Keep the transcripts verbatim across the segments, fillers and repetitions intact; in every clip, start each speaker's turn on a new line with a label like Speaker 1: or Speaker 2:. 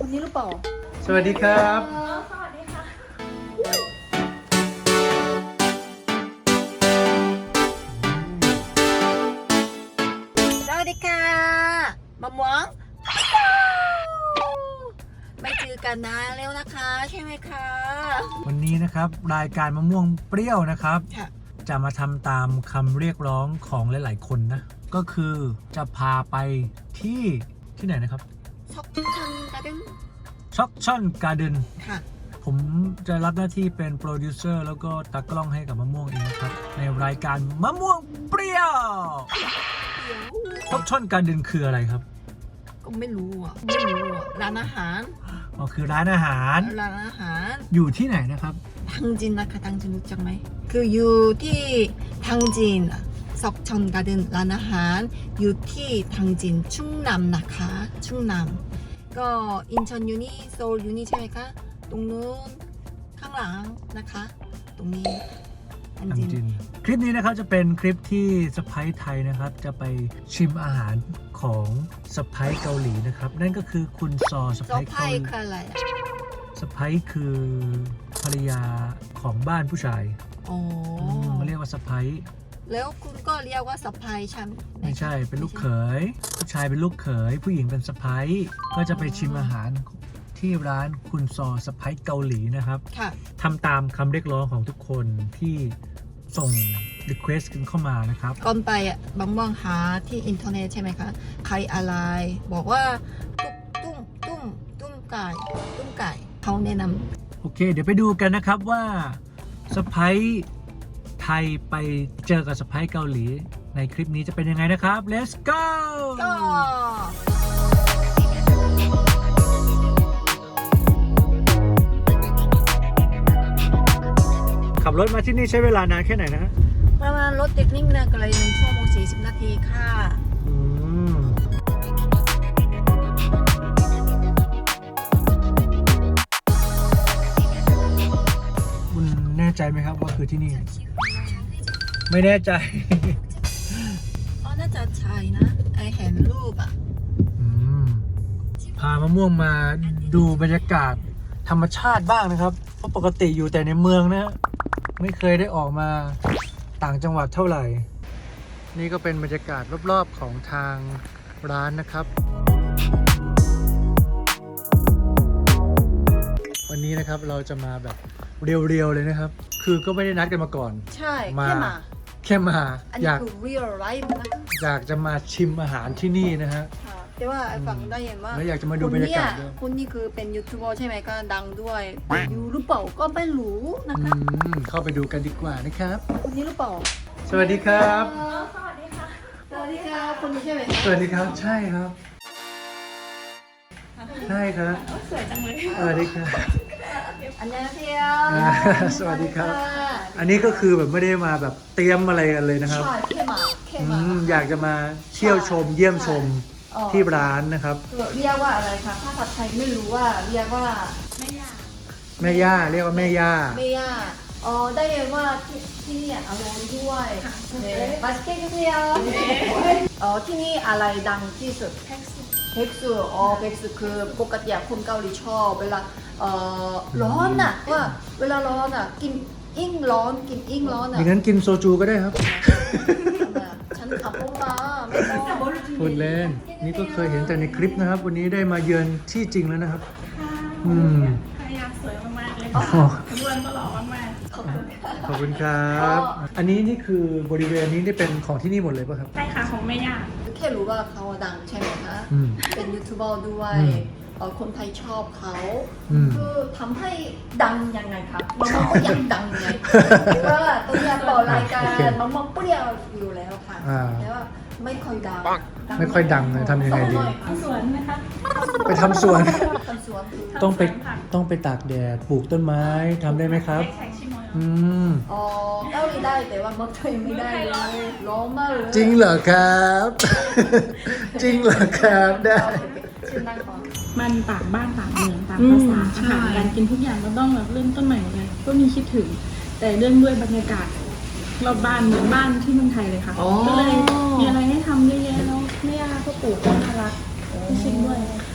Speaker 1: นี้หรือเปล่า
Speaker 2: สวัสดีครับ
Speaker 1: สวัสดีค่ะสวัสดีค่ะมะม่วงไม่เจอกันนานแล้วนะคะใช่ไหมคะ
Speaker 2: วันนี้นะครับรายการมะม่วงเปรี้ยวนะครับ จะมาทำตามคำเรียกร้องของหลายๆคนนะก็คือจะพาไปที่ที่ไหนนะครับ
Speaker 1: ช็อกชันการ์เด้น
Speaker 2: ช็อกชันการ์เด้น
Speaker 1: ค่ะ
Speaker 2: ผมจะรับหน้าที่เป็นโปรดิวเซอร์แล้วก็ตากล้องให้กับมะม่วงเองนะครับในรายการมะม่วงเปรี้ยวช็อกชันการ์เด้นคืออะไรครับ
Speaker 1: ก็ไม่รู้อ่ะไม่รู้อ่ะร้านอาหาร
Speaker 2: อ๋อคือร้านอาหาร
Speaker 1: ร้านอาหาร
Speaker 2: อยู่ที่ไหนนะครับ
Speaker 1: ทังจินนะคะทังจินรู้จักไหมคืออยู่ที่ทังจินซอกชอนการ์เด้นร้านอาหารอยู่ที่ทังจินชุ่งนำนะคะชุ่งนำก็อินชอนยูนี่โซลยูนี่ใช่ไหมคะตรงนู้นข้างหลังนะคะตรงนี้ทังจิน
Speaker 2: คลิปนี้นะครับจะเป็นคลิปที่สะใภ้ไทยนะครับจะไปชิมอาหารของสะใภ้เกาหลีนะครับนั่นก็คือคุณซอสะใภ้เกาหลี
Speaker 1: คืออะไร
Speaker 2: สะใภ้คือภรรยาของบ้านผู้ชาย
Speaker 1: อ๋อ
Speaker 2: มาเรียกว่าสะใภ้
Speaker 1: แล้วคุณก็เรียกว่าสะใภ้ใช่ไหม
Speaker 2: ไม่ใช่เป็นลูกเขยผู้ชายเป็นลูกเขยผู้หญิงเป็นสะใภ้ก็จะไปชิมอาหารที่ร้านคุณซอสะใภ้เกาหลีนะครับทำตามคำเรียกร้องของทุกคนที่ส่ง request กันเข้ามานะครับ
Speaker 1: ก่อนไปอ่ะบางว่างหาที่อินเทอร์เน็ตใช่ไหมคะใครอะไรบอกว่าตุ้มตุ้มตุ้มไก่ตุ้มไก่เขาแนะน
Speaker 2: ำโอเคเดี๋ยวไปดูกันนะครับว่าสะใภ้ไทยไปเจอกับสะใภ้เกาหลีในคลิปนี้จะเป็นยังไงนะครับ let's go
Speaker 1: ก็
Speaker 2: ขับรถมาที่นี่ใช้เวลานานแค่ไหนนะ
Speaker 1: ประมาณรถติดนิ่งนะก็เลยหนึ่งชั่วโมงสี่สิบนาทีค่ะ
Speaker 2: อืมคุณแน่ใจไหมครับว่าคือที่นี่ไม่แน่ใจ
Speaker 1: อ๋อน่าจะใช่นะไอเห็นรูปอ่ะ
Speaker 2: อืมพามะม่วงมาดูบรรยากาศธรรมชาติบ้างนะครับเพราะปกติอยู่แต่ในเมืองนะไม่เคยได้ออกมาต่างจังหวัดเท่าไหร่นี่ก็เป็นบรรยากาศรอบๆของทางร้านนะครับวันนี้นะครับเราจะมาแบบเรียวๆเลยนะครับคือก็ไม่ได้นัดกันมาก่อน
Speaker 1: ใช่แค่มา
Speaker 2: แค่มา
Speaker 1: อยาก real life นะ
Speaker 2: อยากจะมาชิมอาหารที่นี่นะฮะ
Speaker 1: แต่ว่าฟังได้ยินว่า
Speaker 2: แล้วอยากจะมาดูบรรยากาศด้วย
Speaker 1: คุณนี่คือเป็นยูทูบเบอร์ใช่ไหมก็ดังด้วยอยู่หรือเปล่าก็ไม่รู้นะคะ
Speaker 2: เข้าไปดูกันดีกว่านะครับ
Speaker 1: คุณนี่หรือเปล่า
Speaker 2: สวัสดีครับ
Speaker 1: สวัสดีค่ะสวัสดีครับคุณนี่ใช่ไหม
Speaker 2: สวัสดีครับใช่ครับใช่ครับ
Speaker 1: สวยจังเลย
Speaker 2: สวัสดีครับ
Speaker 1: อันนี้เที่ย
Speaker 2: สวัสดีครับอันนี้ก็คือแบบไม่ได้มาแบบเตรียมอะไรกันเลยนะครับ
Speaker 1: ใช่แค่มาแค่มา
Speaker 2: อยากจะมาเที่ยวชมเยี่ยมชมที่ร้านนะครับ
Speaker 1: เรียกว่าอะไรคะภาษาไทยไม่รู้ว่าเรียกว่าแม่ย่า
Speaker 2: แม่ย่าเรียกว่าแม่ย่า
Speaker 1: แม่ย่าอ๋อได้ยินว่าที่ที่นี่อร่อยด้วยมาสเกตเทียอ๋อที่นี่อะไรดังที่สุดเพ็กซ์เพ็กซ์อ๋อเพ็กซ์คือปกติคนเกาหลีชอบเวลาเอ่อร้อนอ่ะว่าเวลาร้อนอ่ะกินอิ่งร้อนกินอิ่งร้อนอ่ะ
Speaker 2: อย่างนั้นกินโซจูก็ได้ครับ
Speaker 1: ฉันขับรถมาไม่ต้อง
Speaker 2: พูดเล่นนี่ก็เคยเห็นแต่ในคลิปนะครับวันนี้ได้มาเยือนที่จริงแล้วนะครับอืม
Speaker 3: ภรรยาสวยมากๆเลยค่ะเพื่อนก็หล่อมากๆ
Speaker 2: ขอบคุณครับอันนี้นี่คือบริเวณนี้นี่เป็นของที่นี่หมดเลยป่ะครับ
Speaker 3: ใช่ค่ะของแม่ย่า
Speaker 1: แค่รู้ว่าเขาดังใช่ไหมคะเป็นยูทูบเบอร์ด้วยคนไทยชอบเขาคือทำให้ดังยังไงครับมันก็อยากดังไงก็ตัวอยากต่อรายการมันมองเปรี้ยวอยู่แล้วค่ะแต่ว่าไม่ค่อยดัง
Speaker 2: ไม่ค่อยดังเลยทำยังไงดี
Speaker 3: ทำสวนนะคะ
Speaker 2: ไปทำสวนต้องไปต้องไปตากแดดปลูกต้นไม้ทำได้ไหมครับอืม
Speaker 1: อ๋อเกาหลีได้แต่ว่าเมืองไทยไม่ได้เลยร้อนมากเลย
Speaker 2: จริงเหรอครับจริงเหรอครับได้
Speaker 3: มันต่างบ้านต่างเมืองต่างภาษาอาหารการกินทุกอย่างเราต้องแบบเริ่มต้นใหม่หมดเลยก็มีคิดถึงแต่เรื่องด้วยบรรยากาศรอบบ้านเหมือนบ้านที่เมืองไทยเลยค่ะก็เลยมีอะไรให้ทำเยอะแยะแล้วแม่ย่าก็ปลูกต้นทะลักให้ชิมด้วย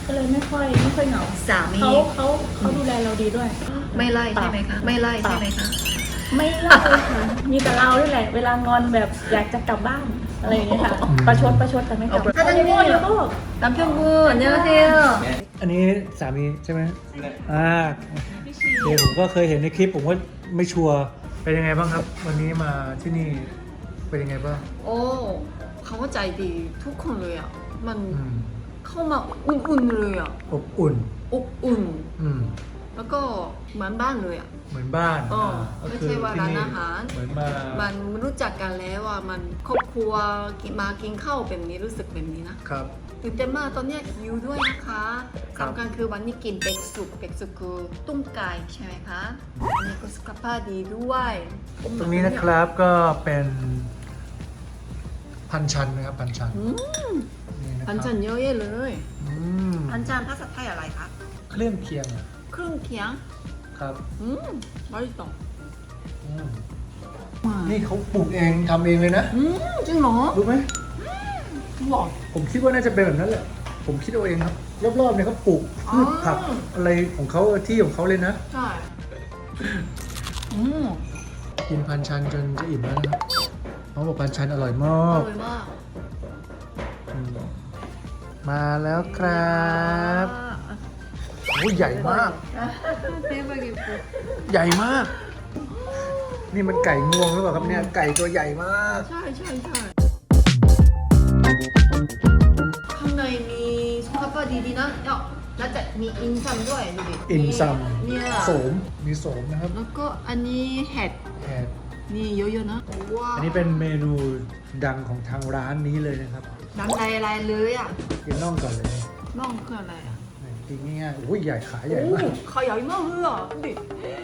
Speaker 3: ก็เลยไม่ค่อยไม่ค่อยเหงา
Speaker 1: สามี
Speaker 3: เขาเขาเขาดูแลเราดีด้วย
Speaker 1: ไม่ไล่ใช่ไหมคะ ไม่ไล่ใช่ไหมคะ
Speaker 3: ไม่เล่าค่ะ มีแต่เราด้วยแหละ เวลางอนแบบอยากจะกลับบ้านอะไรอย่างเงี้ยค่ะ ประชดประชดแต่ไม่กลับ
Speaker 1: ถ้าจะงอนแล้วก็남편분 안녕하세요.
Speaker 2: อันนี้สามีใช่ไหมอ่าเดี๋ยวผมก็เคยเห็นในคลิปผมว่าไม่ชัวร์เป็นยังไงบ้างครับ วันนี้มาที่นี่เป็นยังไงบ้าง
Speaker 4: โอ้เขาก็ใจดีทุกคนเลยอ่ะ มัน
Speaker 2: อืม
Speaker 4: เข้ามาอุ่นๆเลยอ่ะ
Speaker 2: อบอุ่น
Speaker 4: อบอุ่น
Speaker 2: อืม
Speaker 4: แล้วก็เหมือนบ้านเลยอ่ะ
Speaker 2: เหมือนบ้าน
Speaker 4: อ๋อ
Speaker 2: ก็
Speaker 4: ไม่
Speaker 2: คื
Speaker 4: ใช่ว่า
Speaker 2: ที่
Speaker 4: ร้าน
Speaker 2: นี่
Speaker 4: อาหาร
Speaker 2: เหมือนมา
Speaker 4: มันรู้จักกันแล้วว่ามันครอบครัวกินมากินข้าวแบบนี้รู้สึกแบบนี้นะครับ ตื่นเต้นมากตอนเนี้ยหิวด้วยนะคะ
Speaker 2: ครับ
Speaker 4: สำคัญคือวันนี้กินเป็กสุกเป็กสุกคือตุ้มไก่ใช่ไหมคะอันนี้ก็สุขภาพดีด้วย
Speaker 2: ตรงนี้นะครับก็เป็นพันชันนะครับพันชัน
Speaker 4: อืม
Speaker 2: นี่นะค
Speaker 4: พั
Speaker 2: รั
Speaker 4: น
Speaker 2: บ
Speaker 4: จันเยอะแยะเลย
Speaker 2: อืม
Speaker 1: พันจานภาษาไทยอะไรคะ
Speaker 2: เครื่องเคียงอะ
Speaker 4: เครื่องเคียง
Speaker 2: ครับ
Speaker 4: อืมอร่อยต่อ
Speaker 2: อืมนี่เขาปลูกเองทำเองเลยนะ
Speaker 4: อืมจริงเหรอ
Speaker 2: รู้ไหม
Speaker 4: หรอ
Speaker 2: ผมคิดว่าน่าจะเป็นแบบนั้นแหละ ผมคิดเอาเองครับ รอบๆเนี่ยเขาปลูกพืชผัก
Speaker 4: อ๋อ
Speaker 2: อะไรของเขาที่ของเขาเลยนะ
Speaker 4: ใช่อืม
Speaker 2: กินพันชันจนจะอิ่มแล้วนะครับเขาบอกพันชันอร่อยมา
Speaker 4: อก ร่อยมาก
Speaker 2: อืมมาแล้วครับโอ้ยใหญ่มาก
Speaker 4: เต็มไปหมด
Speaker 2: ใหญ่มาก นี่มันไก่งวงหรือเปล่าครับเนี่ย ไก่ตัวใหญ่มาก
Speaker 4: ใช่ใช่ใช่ข้างในมีสุขภาพดีๆนะเนาะแล้วจะมีอินซัมด้วยดูดิ
Speaker 2: อินซัม
Speaker 4: เนี่ย
Speaker 2: โสม มีโสมนะครับ
Speaker 4: แล้วก็อันนี้เห็ด
Speaker 2: แหม
Speaker 4: นี่เยอะๆนะว้าว
Speaker 2: อันนี้เป็นเมนูดังของทางร้านนี้เลยนะครับ
Speaker 4: น้ำลายอะไรเลยอ่ะ
Speaker 2: กินน่องก่อนเลย
Speaker 4: น่องคืออะไรอ่ะ
Speaker 2: กินง่ายๆโอ้ยใหญ่ขาใหญ่
Speaker 4: โอ้
Speaker 2: มาก
Speaker 4: ขาใหญ่มากเลยอ่ะดูดิ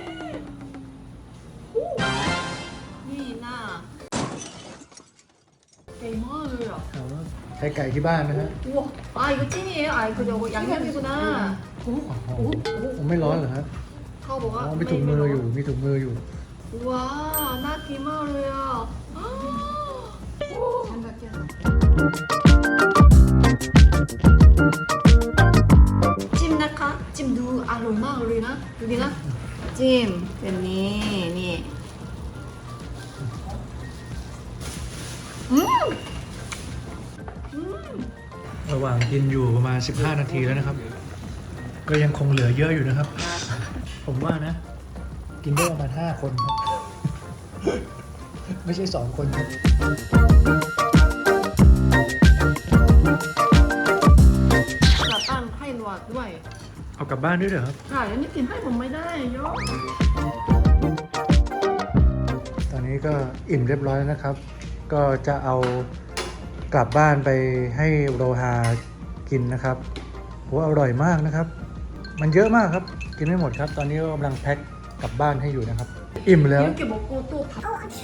Speaker 4: โอ้นี่น่าใหญ่มากเลยอ่ะ
Speaker 2: เอาใช้ไก่ที่บ้านนะฮะ
Speaker 4: 우와, 아 이거 찐이에요? 아 이거 저거 양념이구나. 오,
Speaker 2: อ๋อ
Speaker 4: 오, 오.
Speaker 2: ผมไม่ร้อนเหรอครับ
Speaker 4: เขาบอกว่า
Speaker 2: อ๋อมีถุงมืออยู่ มีถุงมืออยู่
Speaker 4: ว้าน่ากินมากเลยอ่ะโอ้ฉันแบบเนี้ยจิ้มนะคะจิ้มดูอร่อยมากเลยนะดูดินะจิ้มแบบนี้นี่อืมอืม
Speaker 2: ระหว่างกินอยู่ประมาณ สิบห้า นาทีแล้วนะครับ ก็ยังคงเหลือเยอะอยู่นะครับ ผมว่านะ กินได้ประมาณ ห้า คนครับ ไม่ใช่ สอง คนครับ
Speaker 4: กลับบ้านให้หนวดด้วย
Speaker 2: เอากลับบ้านด้วยเหรอครับ
Speaker 4: ค่ะแล้วนี่กินให้ผมไม่ได้โย
Speaker 2: ตอนนี้ก็อิ่มเรียบร้อยแล้วนะครับ ก็จะเอากลับบ้านไปให้โรฮากินนะครับโหอร่อยมากนะครับ มันเยอะมากครับ กินไม่หมดครับ ตอนนี้ก็กำลังแพ็คกลับบ้านให้อยู่นะครับ อิ่มแล้ว
Speaker 4: 이렇게 먹고 또 밥.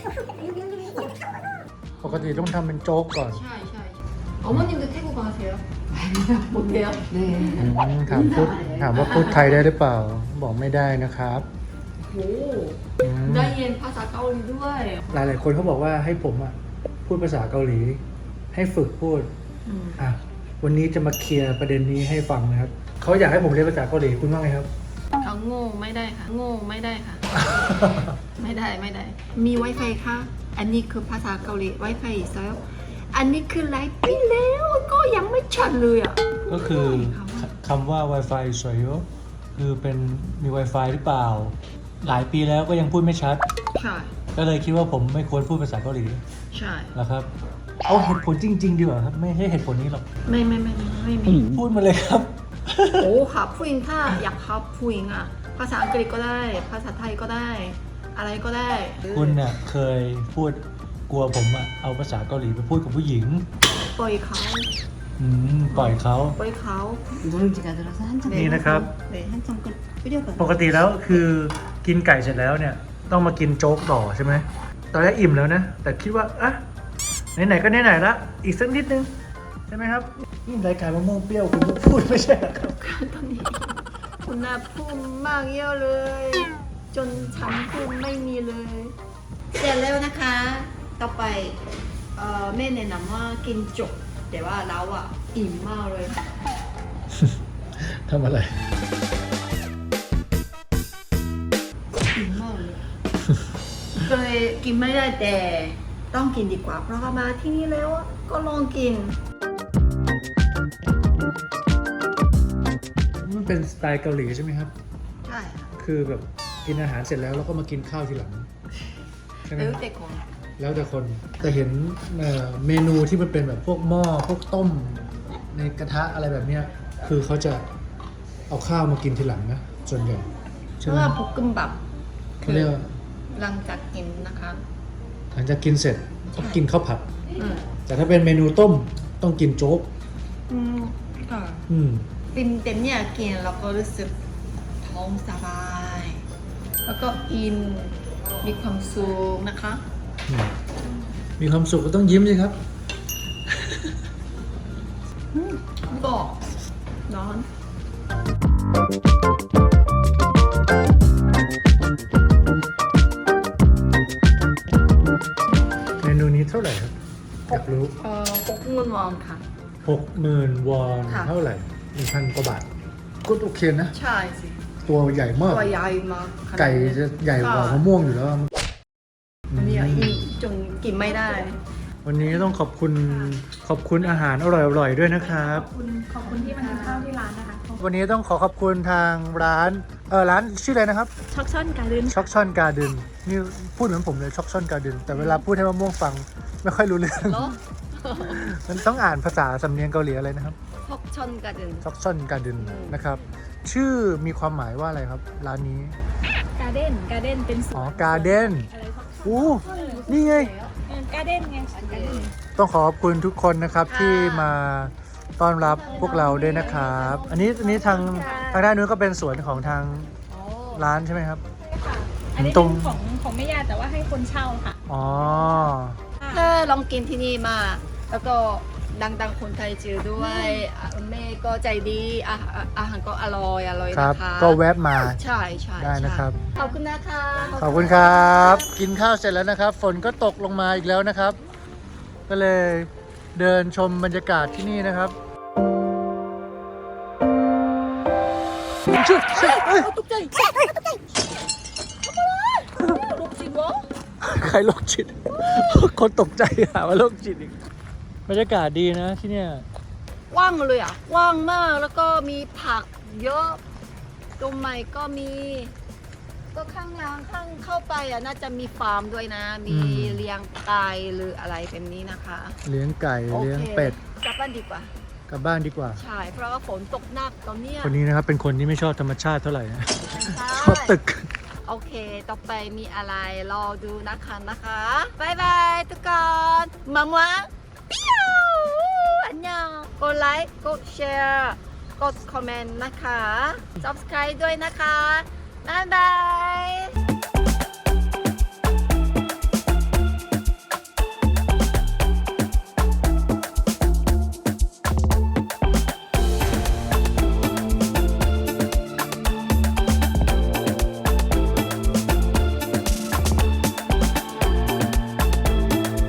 Speaker 2: ปกติต้องทำเป็นโจ๊กก่อน
Speaker 4: 샤이 샤이. 어머님도 태국 가세요? 못해요? 네.
Speaker 2: อืมถามพูดถามว่าพูดไทยได้หรือเปล่า บอกไม่ได้นะครับ
Speaker 4: 오.
Speaker 2: อืม
Speaker 4: 나이엔 파사 까올리ด้วย
Speaker 2: หลายหลายๆคนเขาบอกว่าให้ผมอ่ะพูดภาษาเกาหลี ให้ฝึกพูด
Speaker 4: 음.
Speaker 2: อ่ะวันนี้จะมาเคลียร์ประเด็นนี้ให้ฟังนะครับเขาอยากให้ผมเรียนภาษาเกาหลีคุณว่าไงครับ
Speaker 4: 아,โง่ไม่ได้ค่ะโง่ไม่ได้ค่ะ ไม่ได้ไม่ได้ มี Wi-Fi ค่ะ อันนี้คือภาษาเกาหลี Wi-Fi อีกแล้วอันนี้คือหลายปีแล้วก็ยังไม่ชัดเลยอ่ะ
Speaker 2: ก็คือคำว่า Wi-Fi สวยอยู่คือเป็นมี Wi-Fi หรือเปล่า หลายปีแล้วก็ยังพูดไม่ชัด
Speaker 4: ใช่
Speaker 2: ก็เลยคิดว่าผมไม่ควรพูดภาษาเกาหลี
Speaker 4: ใช่
Speaker 2: นะครับ เอาเหตุผลจริง ๆ ดีกว่าครับ ไม่ใช่เหตุผลนี้หรอก
Speaker 4: ไม่ไม่ไม่ไม่ไม่มี
Speaker 2: พูดมาเลยครับ
Speaker 4: โอ้ค่ะผู้หญิงถ้าอยากครับผู้หญิงอ่ะ ภาษาอังกฤษก็ได้ ภาษาไทยก็ได้ อะไรก็ได้
Speaker 2: คุณเนี่ยเคยพูดกลัวผมอะเอาภาษาเกาหลีไปพูดกับผู้หญิง
Speaker 4: ปล่อยเขา
Speaker 2: อืมปล่อยเขา
Speaker 4: ปล่อยเขา
Speaker 1: 누룽지가 들어서 한참
Speaker 2: 네,นะครับ
Speaker 1: 네, 한참 끓 끓여봐요.
Speaker 2: ปกติแล้วคือกินไก่เสร็จแล้วเนี่ย ต้องมากินโจ๊กต่อใช่ไหมตอนแรกอิ่มแล้วนะ แต่คิดว่าอ่ะไหนๆก็ไหนๆละอีกสักนิดนึงใช่ไหมครับนี่รายการมะม่วงเปรี้ยวคุณก็พูดไม่ใช่เหรอครับ
Speaker 4: ตอนนี้คุณน่าพูดมากเยอะเลย จนฉันพูดไม่มีเลย เสร็จแล้วนะคะ ต่อไปเอ่อแม่แนะนำว่ากินจบ แต่ว่าเราอ่ะอิ่มมากเลย
Speaker 2: ทำอะไร
Speaker 4: กินมากเลยเคยกินไม่ได้แต่ต้องกินดีกว่า เพราะว่ามาที่นี่แล้วก็ลองกิน
Speaker 2: มันเป็นสไตล์เกาหลีใช่ไหมครับ
Speaker 4: ใช่ค่ะ
Speaker 2: คือแบบกินอาหารเสร็จแล้วแล้วก็มากินข้าวทีหลังใช่ไหม
Speaker 4: แล้วแต่คน
Speaker 2: แล้วแต่คนแต่เห็นเอ่อเมนูที่มันเป็นแบบพวกหม้อพวกต้มในกระทะอะไรแบบเนี้ยคือเขาจะเอาข้าวมากินทีหลังนะส่วนใหญ่
Speaker 4: เพ
Speaker 2: ใช่
Speaker 4: ราะ
Speaker 2: ไหม
Speaker 4: ว่าบุกกึมบับ
Speaker 2: เขาเรียกว่า
Speaker 4: หลังจากกินนะคะ
Speaker 2: หลังจากกินเสร็จต้องกินข้าวผัด
Speaker 4: อืม
Speaker 2: แต่ถ้าเป็นเมนูต้มต้องกินโจ๊ก
Speaker 4: อืมค่ะ
Speaker 2: อืม
Speaker 4: เป็นเต็มเนี่ยกินแล้วก็รู้สึกท้องสบาย แล้วก็อินมีความสุขนะคะ
Speaker 2: อืมมีความสุขก็ต้องยิ้มสิครับ
Speaker 4: ก็ร้อน
Speaker 2: เมนูนี้เท่าไหร่ครับอยากรู้
Speaker 4: เอ่อหกหมื่นวอนค่ะ
Speaker 2: หกหมื่นวอน
Speaker 4: ค่ะ
Speaker 2: เท่าไหร่หนึ่งพันกว่าบาทก็โอเคนะ
Speaker 4: ใช่สิ
Speaker 2: ตัวใหญ่มาก
Speaker 4: ตัวใหญ่มากขนาดนี้
Speaker 2: ไก่จะใหญ่กว่ามะม่วงอยู่แล้ว
Speaker 4: อันนี้อินจนกินไม่ได้
Speaker 2: วันนี้ต้องขอบคุณขอบคุณอาหารอร่อยๆด้วยนะครับ
Speaker 3: ขอบคุณขอบคุณที่มากินข้าวที่ร้านนะคะ
Speaker 2: วันนี้ต้องขอขอบคุณทางร้านเออร้านชื่ออะไรนะครับ
Speaker 3: ช็อกช่อนการ์เด้น
Speaker 2: ช็อกช่อนการ์เดนนี่พูดเหมือนผมเลยช็อกช่อนการ์เดนแต่เวลาพูดให้มะม่วงฟังไม่ค่อยรู้เรื่อง
Speaker 4: เนาะ
Speaker 2: มันต้องอ่านภาษาสำเนียงเกาหลีอะไรนะครับ
Speaker 4: พกชนกันเดิน
Speaker 2: ช็อกช่อนการ์เดนนะครับ ชื่อมีความหมายว่าอะไรครับ ร้านนี้
Speaker 3: การ์เด้นการ์เด้นเป็นส
Speaker 2: อ๋
Speaker 3: ว
Speaker 2: อน การ์เดน
Speaker 3: อะไรช็อก
Speaker 2: อู้นี่ไง
Speaker 3: การ์เด้นไงการ์เด้น
Speaker 2: ต้องขอขอบคุณทุกคนนะครับที่มาต้อนรับพวกเราด้วยนะครับ อันนี้อันนี้ทางทางด้านนู้นก็เป็นสวนของทางร้านใช่ไหมครับ
Speaker 3: ค่ะอันนี้
Speaker 2: ตร
Speaker 3: เป็
Speaker 2: ง
Speaker 3: นของของแม่ยาแต่ว่าให้คนเช่าค่ะ
Speaker 2: อ๋อ
Speaker 4: เธอลองกินที่นี่มา แล้วก็ดังๆคนไทยจือด้วยอ่ะแม่ก็ใจดีอาหารอาหารก็อร่อยอร่อย
Speaker 2: ครับ
Speaker 4: นะคะ
Speaker 2: ก็แวะมา
Speaker 4: ใช่ใช่
Speaker 2: ได้นะครับ
Speaker 4: ใช่ขอบคุณนะคะ
Speaker 2: ขอบคุณครับ กินข้าวเสร็จแล้วนะครับ ฝนก็ตกลงมาอีกแล้วนะครับ ก็เลยเดินชมบรรยากาศที่นี่นะครับชุดเอ้ย
Speaker 4: ตกใจตกใจลูกจิ๋ว
Speaker 2: ใครโรคจิต คนตกใจหาว่าโรคจิตอีกบรรยากาศดีนะที่เนี่ย
Speaker 4: ว่างเลยอ่ะว่างมากแล้วก็มีผักเยอะตรงใหม่ก็มี ก็ข้างล่างข้างเข้าไปอ่ะน่าจะมีฟาร์มด้วยนะ มีเลี้ยงไก่หรืออะไรแบบนี้นะคะ
Speaker 2: เลี้ยงไก่
Speaker 4: โอค
Speaker 2: เลี้ยงเป็ด
Speaker 4: กลับบ้านดีกว่า
Speaker 2: กลับบ้านดีกว่า
Speaker 4: ใช่ เพราะว่าฝนตกหนักตอนเนี้ย
Speaker 2: คนนี้นะครับเป็นคนที่ไม่ชอบธรรมชาติเท่าไหร่นะ
Speaker 4: ใช่
Speaker 2: ชอบตึก
Speaker 4: โอเค ต่อไปมีอะไรรอดูนะคะนะคะบายบายทุกคนมามัวเปี้ยวอันยองกดไลค์กดแชร์กดคอมเมนต์นะคะ subscribe ด้วยนะคะ บ๊ายบาย